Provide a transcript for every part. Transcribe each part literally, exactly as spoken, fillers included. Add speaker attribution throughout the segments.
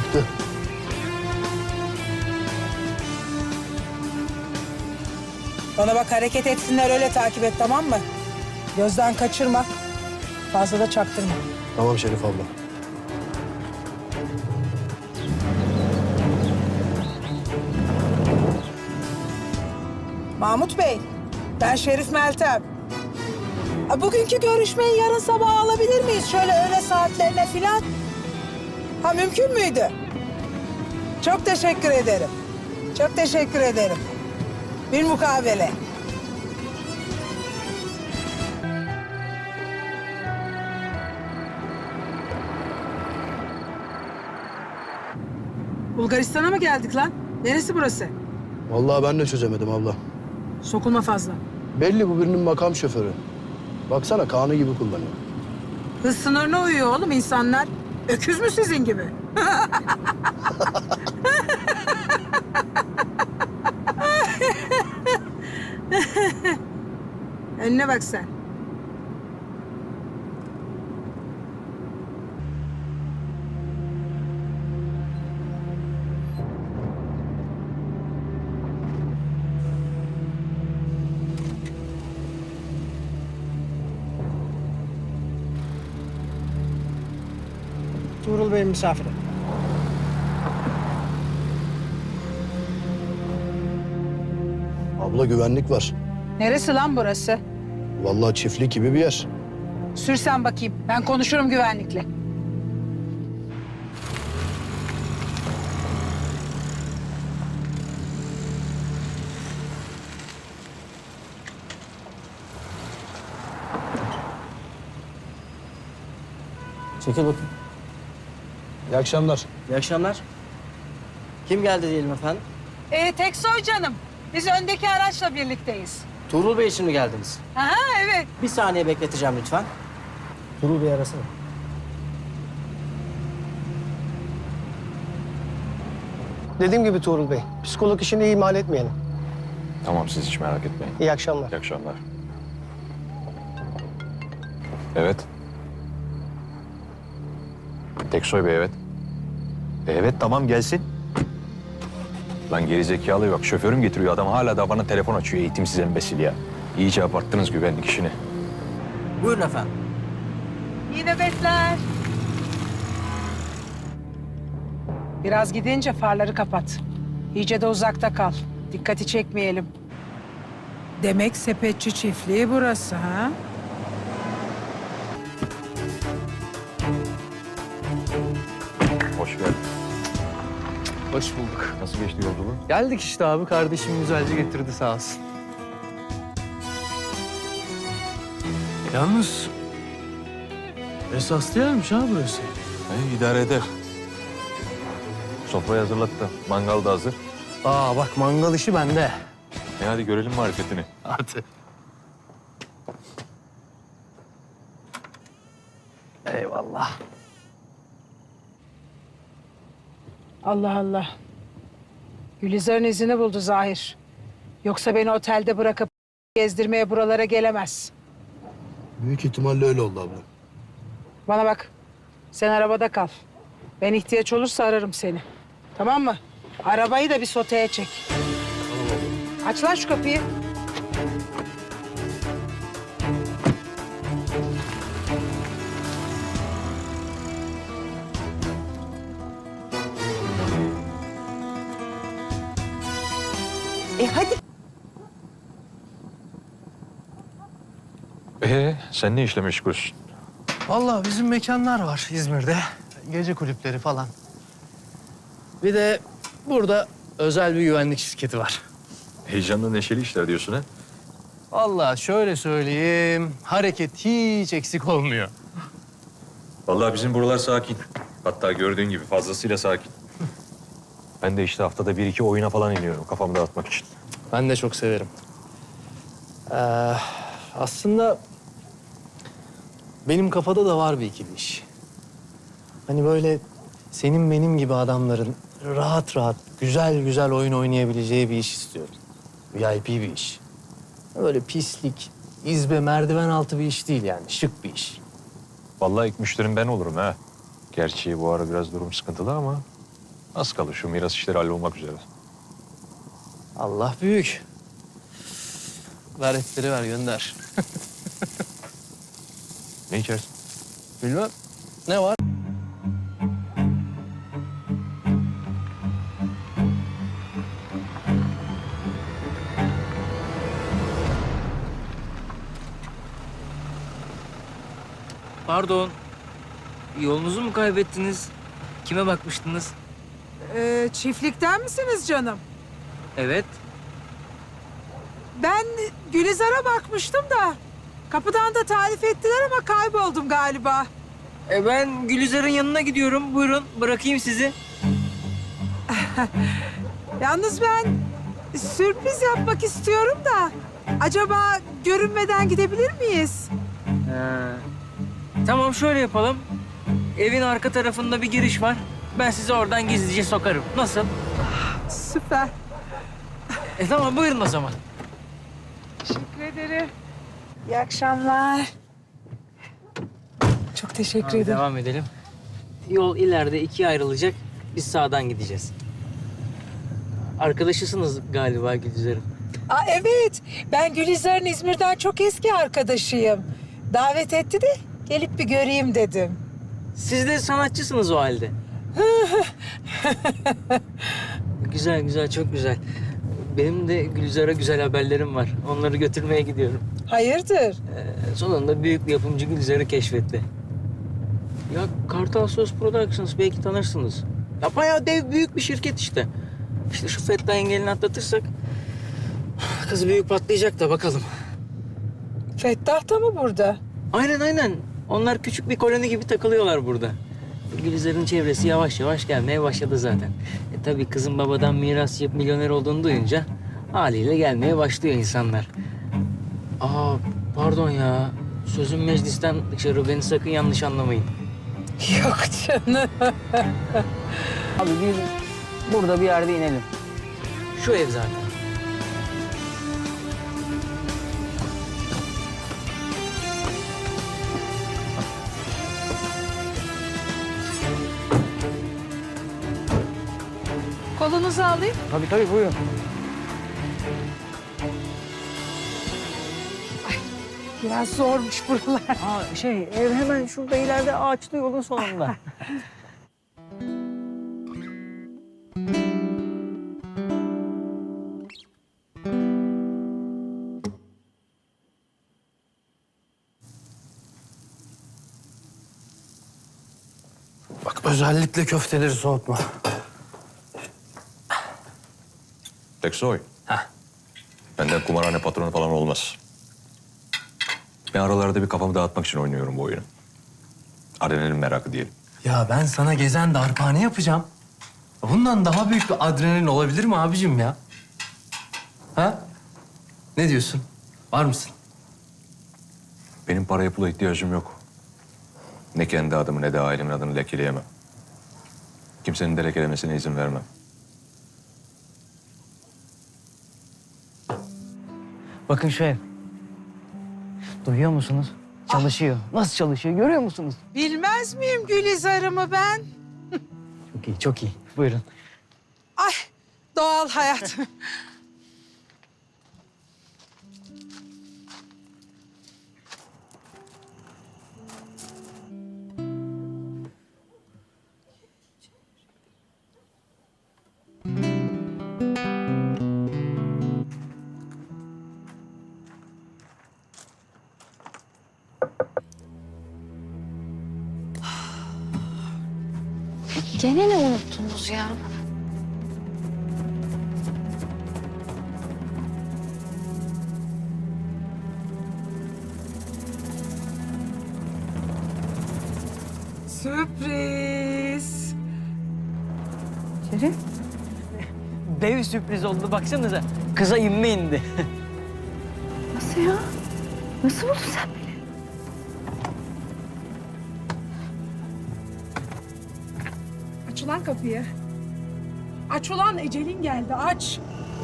Speaker 1: Çıktı.
Speaker 2: Bana bak, hareket etsinler, öyle takip et, tamam mı? Gözden kaçırma. Fazla da çaktırma.
Speaker 1: Tamam Şerif abla.
Speaker 2: Mahmut Bey, ben Şerif Meltem. Ha, bugünkü görüşmeyi yarın sabah alabilir miyiz? Şöyle öğle saatlerine filan. Ha, mümkün müydü? Çok teşekkür ederim. Çok teşekkür ederim. Bir mukabele. Bulgaristan'a mı geldik lan? Neresi burası?
Speaker 1: Vallahi ben de çözemedim abla.
Speaker 2: Sokulma fazla.
Speaker 1: Belli bu birinin makam şoförü. Baksana Kaan'ı gibi kullanıyor.
Speaker 2: Hız sınırına uyuyor oğlum insanlar. Öküz mü sizin gibi? Önüne bak sen.
Speaker 3: Tuğrul Bey'in misafiri.
Speaker 1: Abla güvenlik var.
Speaker 2: Neresi lan burası?
Speaker 1: Vallahi çiftlik gibi bir yer.
Speaker 2: Sürsen bakayım. Ben konuşurum güvenlikle.
Speaker 3: Çekil bakayım.
Speaker 1: İyi akşamlar.
Speaker 3: İyi akşamlar. Kim geldi diyelim efendim?
Speaker 2: Ee, Teksoy canım. Biz öndeki araçla birlikteyiz.
Speaker 3: Tuğrul Bey için mi geldiniz?
Speaker 2: Aha, evet.
Speaker 3: Bir saniye bekleteceğim lütfen. Tuğrul Bey arasana.
Speaker 4: Dediğim gibi Tuğrul Bey, psikolog işini ihmal etmeyelim.
Speaker 5: Tamam, siz hiç merak etmeyin.
Speaker 4: İyi akşamlar.
Speaker 5: İyi akşamlar. Evet. Teksoy Bey, evet. E, Evet, tamam gelsin. Lan gerizekalı yok. Şoförüm getiriyor. Adam hala da bana telefon açıyor. Eğitimsiz embesil ya. İyice abarttınız güvenlik işini.
Speaker 3: Buyurun efendim.
Speaker 2: İyi nöbetler. Biraz gidince farları kapat. İyice de uzakta kal. Dikkati çekmeyelim. Demek sepetçi çiftliği burası ha?
Speaker 5: Hoş geldin.
Speaker 6: Hoş bulduk.
Speaker 5: Nasıl geçti yolculuğun?
Speaker 6: Geldik işte abi. Kardeşim güzelce getirdi sağ olsun. Yalnız esaslı yermiş ha burası.
Speaker 5: E, idare eder. Sofrayı hazırlattım. Mangal da hazır.
Speaker 6: Aa bak mangal işi bende.
Speaker 5: E hadi görelim marifetini.
Speaker 6: Hadi. Eyvallah.
Speaker 2: Allah Allah. Gülizar'ın izini buldu Zahir. Yoksa beni otelde bırakıp gezdirmeye buralara gelemez.
Speaker 1: Büyük ihtimalle öyle oldu abla.
Speaker 2: Bana bak. Sen arabada kal. Ben ihtiyaç olursa ararım seni. Tamam mı? Arabayı da bir soteye çek. Aç lan şu kapıyı. E hadi.
Speaker 5: Ee, sen ne işle meşgulsün?
Speaker 6: Vallahi bizim mekanlar var İzmir'de. Gece kulüpleri falan. Bir de burada özel bir güvenlik şirketi var.
Speaker 5: Heyecanlı, neşeli işler diyorsun ha?
Speaker 6: Vallahi şöyle söyleyeyim, hareket hiç eksik olmuyor.
Speaker 5: Vallahi bizim buralar sakin. Hatta gördüğün gibi fazlasıyla sakin. Ben de işte haftada bir iki oyuna falan iniyorum kafamı dağıtmak için.
Speaker 6: Ben de çok severim. Ee, aslında benim kafada da var bir ikili iş. Hani böyle senin benim gibi adamların rahat rahat, güzel güzel oyun oynayabileceği bir iş istiyorum. V I P bir iş. Böyle pislik, izbe, merdiven altı bir iş değil yani. Şık bir iş.
Speaker 5: Vallahi ilk müşterim ben olurum ha. Gerçi bu ara biraz durum sıkıntılı ama Az kalır şu miras işleri hallolmak üzere.
Speaker 6: Allah büyük. Ver etleri ver gönder.
Speaker 5: Ne içersin?
Speaker 6: Bilmem. Ne var?
Speaker 7: Pardon. Yolunuzu mu kaybettiniz? Kime bakmıştınız?
Speaker 2: Ee, çiftlikten misiniz canım?
Speaker 7: Evet.
Speaker 2: Ben Gülizar'a bakmıştım da. Kapıdan da tarif ettiler ama kayboldum galiba.
Speaker 7: E ben Gülizar'ın yanına gidiyorum. Buyurun bırakayım sizi.
Speaker 2: Yalnız ben sürpriz yapmak istiyorum da. Acaba görünmeden gidebilir miyiz?
Speaker 7: Ha. Tamam şöyle yapalım. Evin arka tarafında bir giriş var. Ben sizi oradan gizlice sokarım. Nasıl?
Speaker 2: Süper.
Speaker 7: E tamam buyurun o zaman.
Speaker 2: Teşekkür ederim. İyi akşamlar. Çok teşekkür
Speaker 7: Abi,
Speaker 2: ederim.
Speaker 7: devam edelim. Yol ileride ikiye ayrılacak. Biz sağdan gideceğiz. Arkadaşısınız galiba Gülizar'ın.
Speaker 2: Aa, evet. Ben Gülizar'ın İzmir'den çok eski arkadaşıyım. Davet etti de gelip bir göreyim dedim.
Speaker 7: Siz de sanatçısınız o halde. Güzel güzel çok güzel. Benim de Gülizar'a güzel haberlerim var. Onları götürmeye gidiyorum.
Speaker 2: Hayırdır?
Speaker 7: Ee, sonunda büyük bir yapımcı Gülizar'ı keşfetti. Ya Kartal Söz Productions belki tanırsınız. Ya bayağı dev büyük bir şirket işte. İşte şu Fettah engelini atlatırsak kız büyük patlayacak da bakalım.
Speaker 2: Fettah da mı burada?
Speaker 7: Aynen aynen. Onlar küçük bir koloni gibi takılıyorlar burada. Gülizar'ın çevresi yavaş yavaş gelmeye başladı zaten. E tabii kızın babadan miras yapıp milyoner olduğunu duyunca haliyle gelmeye başlıyor insanlar. Aa pardon ya. Sözüm meclisten dışarı, beni sakın yanlış anlamayın.
Speaker 2: Yok canım.
Speaker 7: Abi biz burada bir yerde inelim. Şu ev zaten.
Speaker 2: Kolunuzu alayım.
Speaker 7: Tabii tabii buyurun.
Speaker 2: Biraz zormuş buralar.
Speaker 7: Aa şey ev hemen şurada ileride ağaçlı yolun sonunda.
Speaker 6: Bak özellikle köfteleri soğutma.
Speaker 5: Teksoy. Benden kumarhane patronu falan olmaz. Ben aralarda bir kafamı dağıtmak için oynuyorum bu oyunu. Adrenalin merakı diyelim.
Speaker 6: Ya ben sana gezen darphane yapacağım. Bundan daha büyük bir adrenalin olabilir mi abicim ya? Ha? Ne diyorsun? Var mısın?
Speaker 5: Benim paraya pula ihtiyacım yok. Ne kendi adımı ne de ailemin adını lekeleyemem. Kimsenin de lekelemesine izin vermem.
Speaker 7: Bakın şu ev. Duyuyor musunuz? Çalışıyor. Nasıl çalışıyor görüyor musunuz?
Speaker 2: Bilmez miyim Gülizar'ımı ben?
Speaker 7: Çok iyi, çok iyi. Buyurun.
Speaker 2: Ay doğal hayat.
Speaker 8: Gene ne unuttunuz ya?
Speaker 2: Sürpriz.
Speaker 8: Şerif?
Speaker 7: Dev sürpriz oldu baksanıza. Kıza inme indi.
Speaker 8: Nasıl ya? Nasıl buldun sen beni?
Speaker 2: Aç ulan kapıyı. Aç ulan ecelin geldi aç.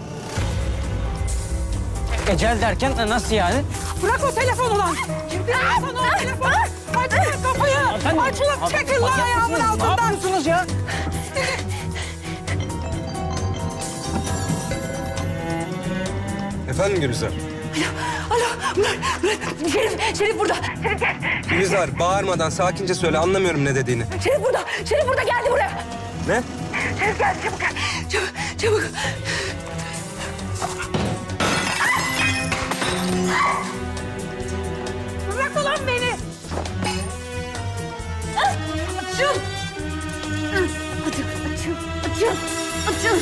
Speaker 7: Ecel derken nasıl yani?
Speaker 2: Bırak o telefonu lan. Kim bilir sana o telefonu? Aç ulan kapıyı. Aç ulan çekil lan ayağımın altından.
Speaker 7: Ne yapıyorsunuz ya?
Speaker 9: Efendim Gülizar?
Speaker 8: Alo, Murat, Murat. Şerif, Şerif burada. Şerif gel.
Speaker 9: Gülizar bağırmadan sakince söyle, anlamıyorum ne dediğini.
Speaker 8: Şerif burada. Şerif burada, geldi buraya.
Speaker 9: Ne?
Speaker 8: Şerif geldi, çabuk gel. Çabuk, çabuk. Bırak ulan beni. Açıl. Açıl, açıl, açıl, açıl.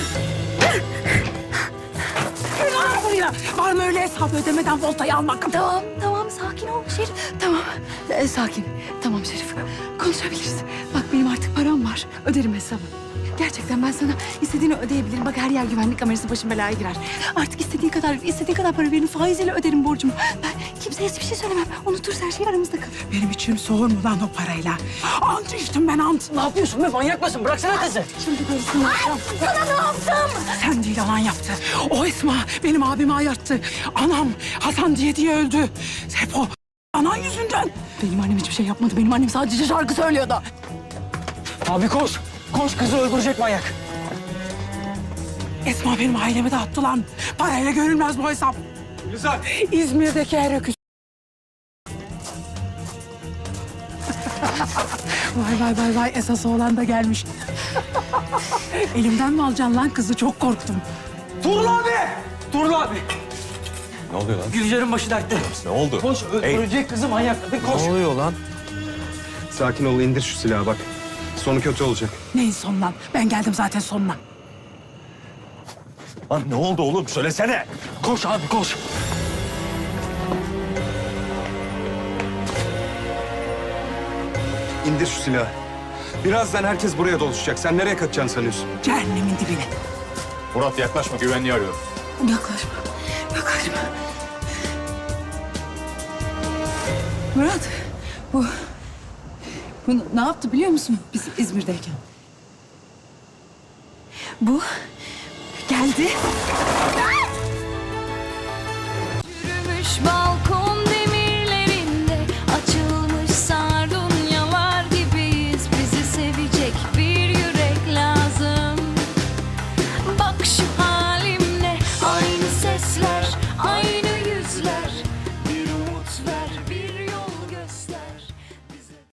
Speaker 2: Var buraya. Var mı öyle hesap ödemeden voltayı almak?
Speaker 8: Tamam, tamam. Sakin ol Şerif. Tamam. Ee, sakin. Tamam Şerif. Konuşabiliriz. Bak benim artık param var. Öderim hesabı. Gerçekten ben sana istediğini ödeyebilirim. Bak her yer güvenlik kamerası, başım belaya girer. Artık istediğin kadar, istediğin kadar para verin. Faiziyle öderim borcumu. Ben kimseye hiçbir şey söylemem. Unuturuz, her şey aramızda kalır.
Speaker 2: Benim içim soğur mu lan o parayla? Ant içtim ben ant.
Speaker 3: Ne yapıyorsun be? Manyak mısın? Bıraksana kızı.
Speaker 2: Şimdi karısını yapacağım.
Speaker 8: Sana ne yaptım?
Speaker 2: Sen değil, anan yaptı. O Esma benim abimi ayarttı. Anam Hasan diye diye öldü. Hep o anan yüzünden.
Speaker 8: Benim annem hiçbir şey yapmadı. Benim annem sadece şarkı söylüyordu.
Speaker 3: Abi koş. Koş, kızı öldürecek manyak.
Speaker 2: Esma benim ailemi dağıttı lan. Parayla görülmez bu hesap.
Speaker 9: Gülizar!
Speaker 2: İzmir'deki her öküz. Vay vay vay vay, esas oğlan da gelmiş. Elimden mi alacaksın lan kızı? Çok korktum.
Speaker 3: Tuğrul abi! Tuğrul abi!
Speaker 5: Ne oluyor lan?
Speaker 3: Gülcer'in başı dertte.
Speaker 5: Ne oldu?
Speaker 3: Koş, öldürecek kızı manyak. Hadi koş.
Speaker 6: Ne oluyor lan?
Speaker 9: Sakin ol, indir şu silahı bak. Sonu kötü olacak.
Speaker 2: Neyin sonlan? Ben geldim zaten sonuna.
Speaker 5: Lan ne oldu oğlum? Söylesene.
Speaker 3: Koş abi, koş.
Speaker 9: İndir şu silahı. Birazdan herkes buraya doluşacak. Sen nereye kaçacaksın sanıyorsun?
Speaker 2: Cehennemin dibine.
Speaker 5: Murat yaklaşma, güvenliği arıyorum.
Speaker 8: Yaklaşma. Yaklaşma.
Speaker 10: Murat, bu... Bu ne yaptı biliyor musun biz İzmir'deyken?
Speaker 8: Bu geldi.
Speaker 10: Yürümüş balkon.